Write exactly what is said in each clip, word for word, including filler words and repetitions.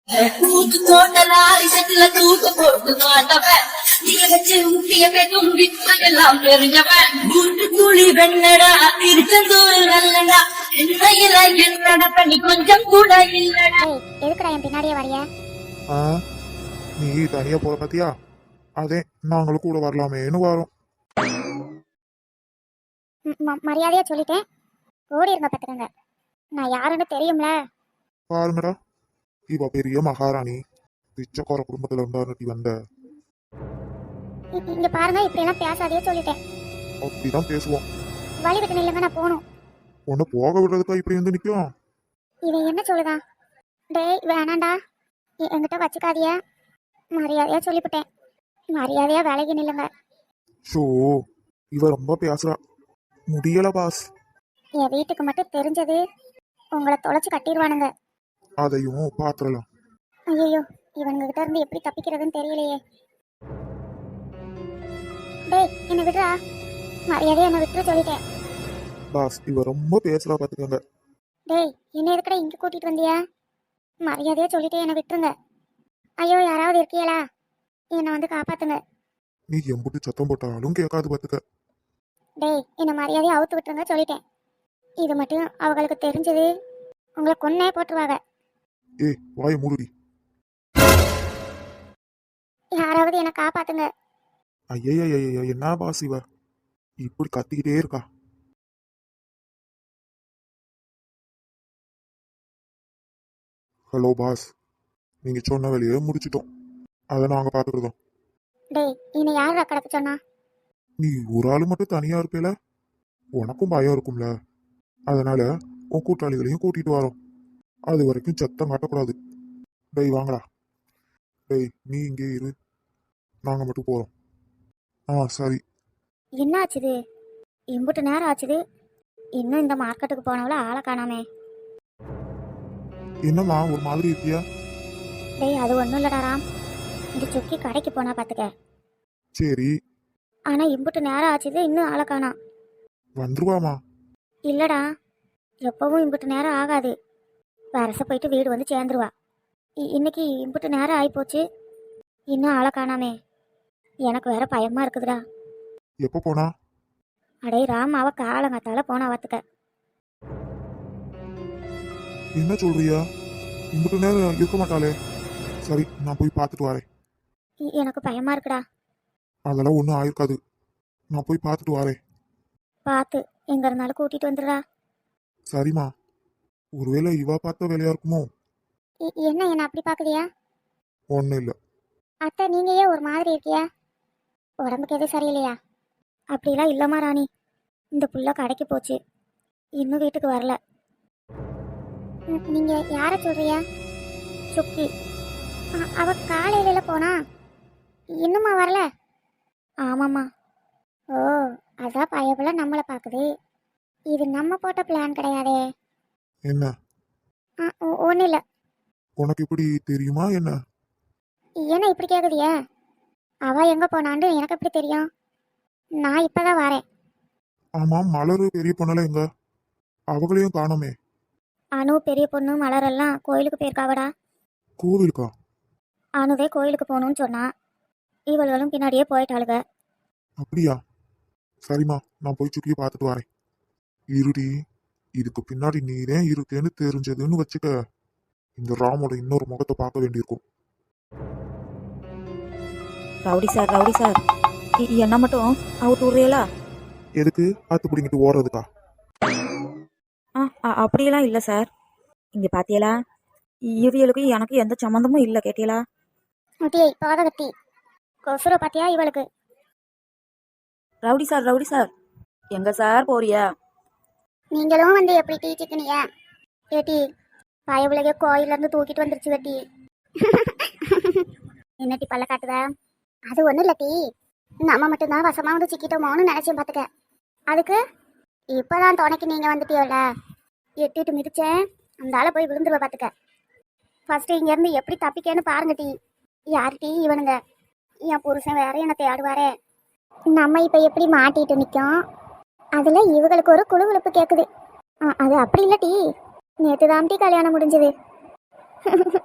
தூக்கு போட்டலாரி செட்டுல தூக்கு போட்டு மாட்டவன் நீ வச்சு ஊட்டிய பெரும் வித்தையெல்லாம் தெரிஞ்சவன் மூன்று துளி வெண்ணடா திருச்செந்தூர் நல்லடா என்னையில என்னடா பண்ணி கொஞ்சம் கூட இல்லடா. எதுக்குடா என் பின்னாடியே வரைய? ஆ நீ தனியா போற பாத்தியா, அதே நாங்களும் கூட வரலாமேன்னு வரோம். மரியாதையா சொல்லிட்டேன், ஓடி இருங்க பாத்துக்கங்க. நான் யாருன்னு தெரியும்ல. பாருங்கடா, இவ பெரிய மகாராணி, பிச்சைக்கார குடும்பத்துல இருந்தா வந்த. இங்க பாருங்க, இப்படி எல்லாம் பேசாதே சொல்லிட்டேன். அப்படிதான் பேசுவோம். வழி விட்டு நில்லுங்க, நான் போகணும். உன்னை போக விடுறதுக்கா இப்படி வந்து நிக்கும்? இவன் என்ன சொல்லுதான்? டேய் வேணாண்டா, என்கிட்ட வச்சுக்காதிய. மரியாதையா சொல்லிவிட்டேன், மரியாதையா விலகி நில்லுங்க. ஷோ, இவ ரொம்ப பேசுறா, முடியல பாஸ். என் வீட்டுக்கு மட்டும் தெரிஞ்சது உங்களை தொலைச்சு கட்டிடுவானுங்க. அதையும் பாத்துறலாம். ஐயோ, இவனுங்க கிட்ட இருந்து எப்படி தப்பிக்கிறதுன்னு தெரியலையே. டேய் என்ன விடுறா, மரியாதையா என்ன விட்டுற சொல்லிட்டேன். பாஸ், இவ ரொம்ப பேசுறா பாத்துக்கோங்க. டேய் என்ன எதுக்கடா இங்க கூட்டிட்டு வந்தியா? மரியாதையா சொல்லிட்டே என்ன விட்டுருங்க. ஐயோ யாராவது இருக்கீங்களா, என்னை வந்து காப்பாத்துங்க. நீ எம்புட்டு சத்தம் போட்டாலும் கேட்காது பாத்துக்க. டேய் என்ன மரியாதையா அவுத்து விட்டுருங்க சொல்லிட்டேன். இது மட்டும் அவங்களுக்கு தெரிஞ்சது உங்களை கொன்னே போட்டுருவாங்க. ஏய் வாய மூடுடி. யாராவது என்ன காப்பாத்துங்க. ஐயா என்ன பாஸ் இவ இப்படி கத்திக்கிட்டே இருக்கா? ஹலோ பாஸ், நீங்க சொன்ன வேலையை முடிச்சிட்டோம், அதை நாங்க பாத்துக்கிறோம். டேய் என்னை யாரா கடத்த சொன்னா? நீ ஒரு ஆளு மட்டும் தனியா இருப்பேல, உனக்கும் பயம் இருக்கும்ல, அதனால உன் கூட்டாளிகளையும் கூட்டிட்டு வரோம். அது வரைக்கும் சத்தம் காட்டக்கூடாது. டேய் வாங்கடா. டேய் நீ இங்கே இரு, நாங்க மட்டும் போறோம். ஆ சரி. என்ன ஆச்சுது? இம்புட்டு நேரம் ஆச்சுது, இன்னும் இந்த மார்க்கெட்டுக்கு போனவள ஆளை காணாமே. என்னம்மா ஒரு மாதிரி இருக்கியா? டேய் அது ஒன்றும் இல்லடா ராம், இந்த சுக்கி கடைக்கு போனா பார்த்துக்க. சரி. ஆனா இம்புட்டு நேரம் ஆச்சுது, இன்னும் ஆளை காணாம். வந்துருவாமா? இல்லடா, எப்பவும் இம்புட்டு நேரம் ஆகாது, வரச போயிட்டு வீடு வந்து சேர்ந்துருவா. இன்னைக்கு இம்புட்டு நேரம் ஆகிப்போச்சு, இன்னும் ஆளை காணாமே. எனக்கு வேற பயமா இருக்குதுடா. எப்போ போனா? அடே ராம், அவ காலங்காத்தால போனா பார்த்துக்க. என்ன சொல்றியா? இம்புட்டு நேரம் இருக்க மாட்டாளே. சரி நான் போய் பார்த்துட்டு வரேன். எனக்கு பயமா இருக்குடா. அதெல்லாம் ஒன்றும் ஆயிருக்காது, நான் போய் பார்த்துட்டு வரேன். பார்த்து எங்க இருந்தாலும் கூட்டிட்டு வந்துடுறா. சரிம்மா. ஒருவேளை இவா பார்த்த வேலையா இருக்குமோ? என்ன என்ன அப்படி பாக்குறியா? ஒன்றும் இல்லை. அத்தை நீங்க ஏன் ஒரு மாதிரி இருக்கியா? உடம்புக்கு எதுவும் சரியில்லையா? அப்படிலாம் இல்லம்மா ராணி, இந்த புள்ள கடைக்கு போச்சு, இன்னும் வீட்டுக்கு வரல. நீங்க யார சொல்றியா? சுக்கி. அவ காலையில போனா, இன்னுமா வரல? ஆமாம்மா. ஓ அதான் பயபுல நம்மளை பார்க்குது. இது நம்ம போட்ட பிளான் கிடையாதே. என்ன? ஒன்றும் இல்லை. உனக்கு இப்படி தெரியுமா என்ன? என்ன இப்படி கேட்குதியா? அவ எங்க போனான்னு எனக்கு எப்படி தெரியும்? நான் இப்பதான் வரேன். ஆமா, மலரு பெரிய பொண்ணல எங்க? அவங்களையும் காணோமே. அனு பெரிய பொண்ணு மலரெல்லாம் கோயிலுக்கு போயிருக்காவடா. கோவிலுக்கா? அனுவே கோயிலுக்கு போகணும்னு சொன்னா, இவளும் பின்னாடியே போயிட்டாளுங்க. அப்படியா? சரிம்மா, நான் போய் சுக்கியை பார்த்துட்டு வரேன். இருடி, இதுக்கு பின்னாடி நீரே இருக்கேன்னு தெரிஞ்சதுன்னு வச்சுக்க, இந்த ராமோட இன்னொரு முகத்தை பார்க்க வேண்டியிருக்கும். ரவுடி சார், ரவுடி சார், என்ன மட்டும் அவுட் விடுறீங்களா? எதுக்கு ஆத்து பிடிங்கிட்டு ஓடுறதுக்கா? ஆ அப்படியெல்லாம் இல்லை சார். இங்கே பார்த்தீங்களா, இவியலுக்கு எனக்கு எந்த சம்மந்தமும் இல்லை, கேட்டீங்களா? முட்டியை பாதகத்தி கொசுர பாத்தியா இவளுக்கு? ரவுடி சார், ரவுடி சார், எங்க சார் போறியா? நீங்களும் வந்து எப்படி டீ சிக்கனியா? ஏட்டி பயவுலக கோயில இருந்து தூக்கிட்டு வந்துருச்சு வெட்டி. என்னட்டி பல்ல காட்டுதா? அது ஒன்றும் இல்லை டீ, நம்ம மட்டும்தான் வசமாக வந்து சிக்கிட்டோமோன்னு நினச்சேன் பார்த்துக்க. அதுக்கு இப்போதான் துணைக்கு நீங்கள் வந்துட்டியோல, எட்டிட்டு மிதிச்சேன், அந்த ஆளை போய் விழுந்துருவ பார்த்துக்க. ஃபஸ்ட்டு இங்கேருந்து எப்படி தப்பிக்கேன்னு பாருங்க டீ. யார் டீ இவனுங்க? என் புருஷன் வேற என்னை தேடுவாரே. நம்ம இப்போ எப்படி மாட்டிட்டு நிற்கும், அதில் இவங்களுக்கு ஒரு குழுகுழுப்பு கேட்குது. அது அப்படி இல்லை டீ, நேற்று தான் டீ கல்யாணம் முடிஞ்சது.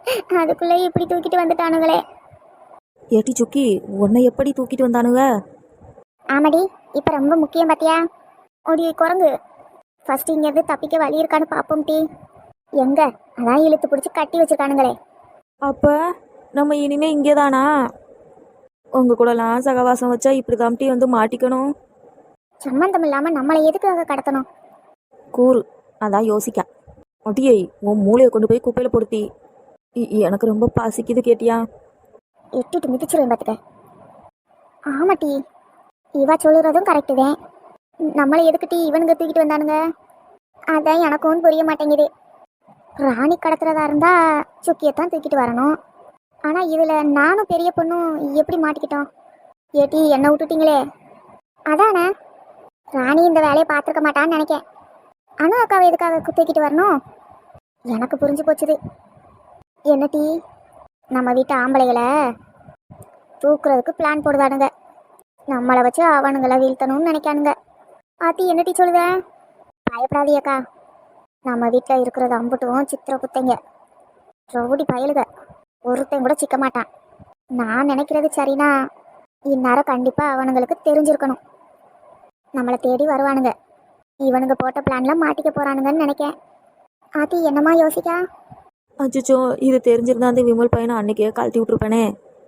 அதுக்குள்ளே இப்படி தூக்கிட்டு வந்துட்டானுங்களே. ஏட்டி சுக்கி, உன்னை எப்படி தூக்கிட்டு வந்தானுங்க? ஆமாடி, இப்போ ரொம்ப முக்கியம் பார்த்தியா? ஓடி குரங்கு, ஃபர்ஸ்ட் இங்கேருந்து தப்பிக்க வழி இருக்கான்னு பார்ப்போம் டி. எங்க அதான் இழுத்து பிடிச்சி கட்டி வச்சிருக்கானுங்களே. அப்போ நம்ம இனிமே இங்கே தானா? உங்கள் கூடலாம் சகவாசம் வச்சா இப்படி தாம்ட்டி வந்து மாட்டிக்கணும். சம்மந்தம் இல்லாமல் நம்மளை எதுக்காக கடத்தணும்? கூறு, அதான் யோசிக்க. அடியை, உன் மூளையை கொண்டு போய் குப்பையில் பொடுத்தி. இ- எனக்கு ரொம்ப பசிக்குது கேட்டியா? எட்டிட்டு மிதிச்சிருவேன் பார்த்துக்க. ஆமாட்டி, இவா சொல்லுறதும் கரெக்டு தான். நம்மளை எதுக்கிட்டி இவனுங்க தூக்கிட்டு வந்தானுங்க? அதான் எனக்கும் புரிய மாட்டேங்குது. ராணி கடத்துறதா இருந்தா சுக்கியத்தான் தூக்கிட்டு வரணும். ஆனால் இதில் நானும் பெரிய பொண்ணும் எப்படி மாட்டிக்கிட்டோம்? ஏட்டி என்னை விட்டுட்டீங்களே. அதானே, ராணி இந்த வேலையை பார்த்துருக்க மாட்டான்னு நினைக்கேன். அனு அக்காவை எதுக்காக தூக்கிட்டு வரணும்? எனக்கு புரிஞ்சு போச்சுது. என்ன டீ, நம்ம வீட்டு ஆம்பளைகளை தூக்குறதுக்கு பிளான் போடுதானுங்க. நம்மளை வச்சு அவனுங்களை வீழ்த்தணும்னு நினைக்கானுங்க. ஆத்தி என்ன டீ சொல்லுத? பயப்படாதியக்கா, நம்ம வீட்டில் இருக்கிறது அம்புட்டும் சித்திர குத்தைங்க, ரவுடி பயலுக, ஒருத்தன் கூட சிக்க மாட்டான். நான் நினைக்கிறது சரினா இந்நேரம் கண்டிப்பாக அவனுங்களுக்கு தெரிஞ்சிருக்கணும். நம்மளை தேடி வருவானுங்க. இவனுங்க போட்ட பிளான்லாம் மாட்டிக்க போகிறானுங்கன்னு நினைக்கேன். ஆத்தி என்னம்மா யோசிக்கா? அச்சோ, இது தெரிஞ்சிருந்தா அந்த விமல் பையனை அன்னைக்கே கழட்டி விட்டுருப்பேனே.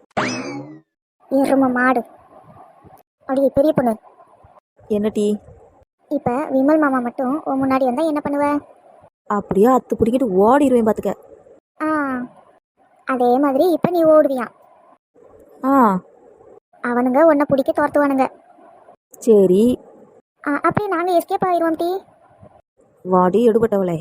எரும மாடு. அப்படியே பெரிய பொண்ணு, என்ன டீ? இப்போ விமல் மாமா மட்டும் உன் முன்னாடி வந்தால் என்ன பண்ணுவ? அப்படியே அத்து பிடிக்கிட்டு ஓடிடுவேன் பார்த்துக்க. ஆ, அதே மாதிரி இப்போ நீ ஓடுவியான். ஆ அவனுங்க உன்னை பிடிக்க துரத்துவானுங்க. சரி, ஆ, அப்படியே நாங்கள் எஸ்கேப் ஆயிடுவோம் டீ. வாடி எடுபட்டவளே.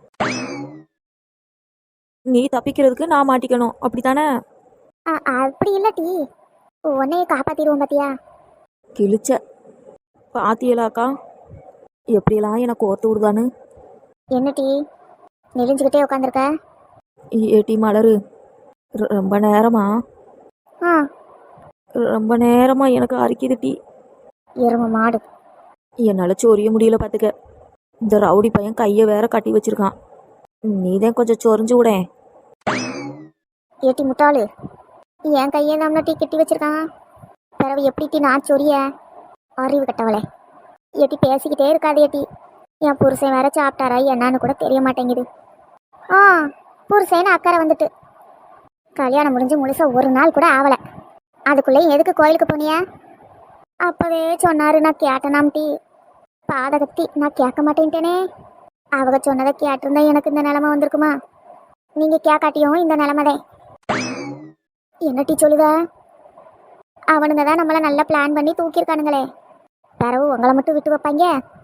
நீ தப்பிக்கிறதுக்கு நான் மாட்டிக்கணும், அப்படித்தானே? ஆ, அப்படி இல்லை டீ, உன்னையே காப்பாற்றிடுவோம் பார்த்தியா? கிழிச்ச பாத்தியலாக்கா எப்படியெல்லாம் எனக்கு ஓர்த்து விடுதான்னு. என்ன டீ நெளிஞ்சுக்கிட்டே உட்காந்துருக்க? ஏட்டி மலரு, ரொ- ரொம்ப நேரமா ஆ, ரொம்ப நேரமா எனக்கு அரிக்குது டீ. எரும மாடு. என்னால் சொரிய முடியல பார்த்துக்க. இந்த ரவுடி பையன் கையை வேற கட்டி வச்சிருக்கான். நீதான் கொஞ்சம் சொரிஞ்சு விடேன். ஏட்டி முட்டாளு, என் கையை நம்மள டீ கட்டி வச்சிருக்கான். பிறவு எப்படி டீ நான் சொரிய? அறிவு கட்டவளே. ஏட்டி பேசிக்கிட்டே இருக்காது ஏட்டி. என் புருஷன் வேற சாப்பிட்டாரா என்னன்னு கூட தெரிய மாட்டேங்குது. ஆ, புருஷன்னு அக்கறை வந்துட்டு கல்யாணம் முடிஞ்சு முழுசா ஒரு நாள் கூட ஆகலை. அதுக்குள்ளேயும் எதுக்கு கோயிலுக்கு போனியா? அப்பவே சொன்னாரு, நான் கேட்டேனாம் டீ. பாதகத்தி, நான் கேட்க மாட்டேன்ட்டேனே. அவங்க சொன்னதை கேட்டிருந்தா எனக்கு இந்த நிலமை வந்திருக்குமா? நீங்க கேட்காட்டியும் இந்த நிலமைதான். என்ன டீ சொல்லுத? அவனுங்க தான் நம்மளை நல்லா பிளான் பண்ணி தூக்கியிருக்கானுங்களே. பிறவு உங்களை மட்டும் விட்டு வைப்பாங்க?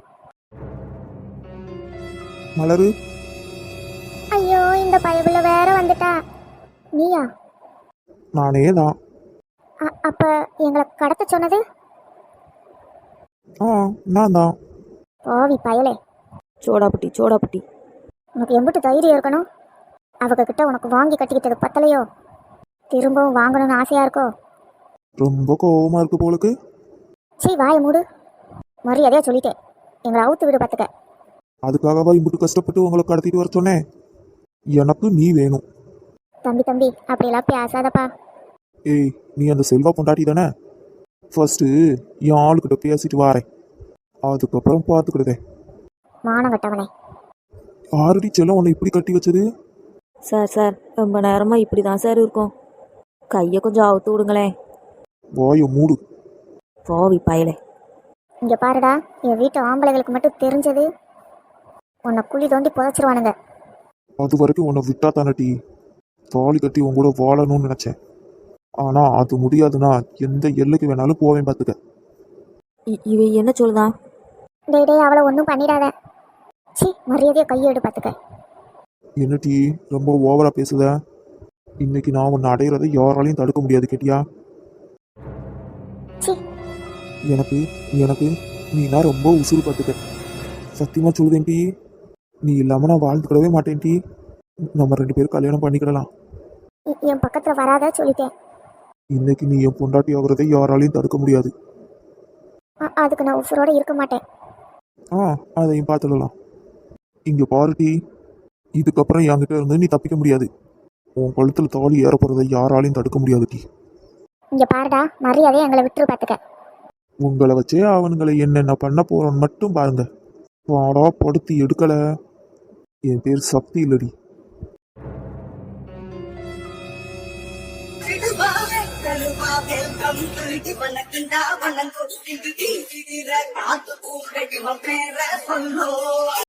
மலரு, ஐயோ, இந்த பயபுள்ள வேற வந்துட்டா. நீயா? நானே தான். அ- அப்ப எங்களை கடத்த சொன்னது? ஆ, நான் தான். ஓவி பயலே, சோடாப்புட்டி சோடாப்புட்டி. உனக்கு எம்பிட்டு தைரியம் இருக்கணும்? அவங்க கிட்ட உனக்கு வாங்கி கட்டிக்கிட்டது பத்தலையோ? திரும்பவும் வாங்கணும்னு ஆசையா இருக்கோ? ரொம்ப கோவமா இருக்கு போலுக்கு. சீ, வாயை மூடு. மரியாதையா சொல்லிட்டேன், எங்களை அவுத்து விடு பார்த்துக்க. அதுக்காகவா இம்புட்டு கஷ்டப்பட்டு உங்களை கடத்திட்டு வர சொன்னேன்? எனக்கு நீ வேணும். தம்பி தம்பி, அப்படியெல்லாம் பேசாதப்பா. ஏய், நீ அந்த செல்வா பொண்டாட்டி தானே? ஃபர்ஸ்ட்டு என் ஆளுக்கிட்ட பேசிட்டு வாரேன், அதுக்கப்புறம் பார்த்துக்கிடுதேன். மானம் கட்டவனே. ஆல்ரெடி செல்லம் உன்னை இப்படி கட்டி வச்சது? சார் சார், ரொம்ப நேரமாக இப்படி தான் சார் இருக்கும். கையை கொஞ்சம் அவுத்து விடுங்களேன். வாயை மூடு. போவி பயலே. இங்க பாருடா, என் வீட்டு ஆம்பளைகளுக்கு மட்டும் தெரிஞ்சது உன்னை குழி தோண்டி புதைச்சிருவானுங்க. அது வரைக்கும் உன்னை விட்டா தானே டீ தாலி கட்டி உன் கூட வாழணும்னு நினைச்சேன். ஆனா அது முடியாதுன்னா எந்த எல்லைக்கு வேணாலும் போவேன் பார்த்துக்க. இ- இவ என்ன சொல்லுதான்? டேய் டேய், அவளை ஒன்றும் பண்ணிடாத. சி, மரியாதையை கையெடு பார்த்துக்க. என்ன டீ ரொம்ப ஓவரா பேசுத? இன்னைக்கு நான் உன்னை அடையிறதை யாராலையும் தடுக்க முடியாது கேட்டியா? சி, எனக்கு எனக்கு நீனா ரொம்ப உசுறு பார்த்துக்க. சத்தியமா சொல்லுதேன் டீ, நீ இல்லாம நான் வாழ்ந்துக்கிடவே மாட்டேன் டீ. நம்ம ரெண்டு பேரும் கல்யாணம் பண்ணிக்கிடலாம். எ- என் பக்கத்தில் வராத சொல்லிட்டேன். இன்னைக்கு நீ என் பொண்டாட்டி ஆகுறதை யாராலையும் தடுக்க முடியாது. அ- அதுக்கு நான் உசுரோட இருக்க மாட்டேன். ஆ, அதையும் பார்த்துடலாம். இங்க பாரு டீ, இதுக்கப்புறம் என்கிட்ட இருந்து நீ தப்பிக்க முடியாது. உன் கழுத்துல தாலி ஏற போறதை யாராலையும் தடுக்க முடியாது டி. இங்க பாருடா, மரியாதையை எங்களை விட்டுரு பாத்துக்க. உங்களை வச்சே அவனுங்களை என்னென்ன பண்ண போறோன்னு மட்டும் பாருங்க. பாடா படுத்தி எடுக்கல. என் பேர் சக்தி இல்லடி. கழுவாவே, கழுவாவே, கம்புருகி வணக்கண்டா, வணங்கொடுக்கிட்டு தீவிர காத்து பூக்கடி பேர சொல்லோ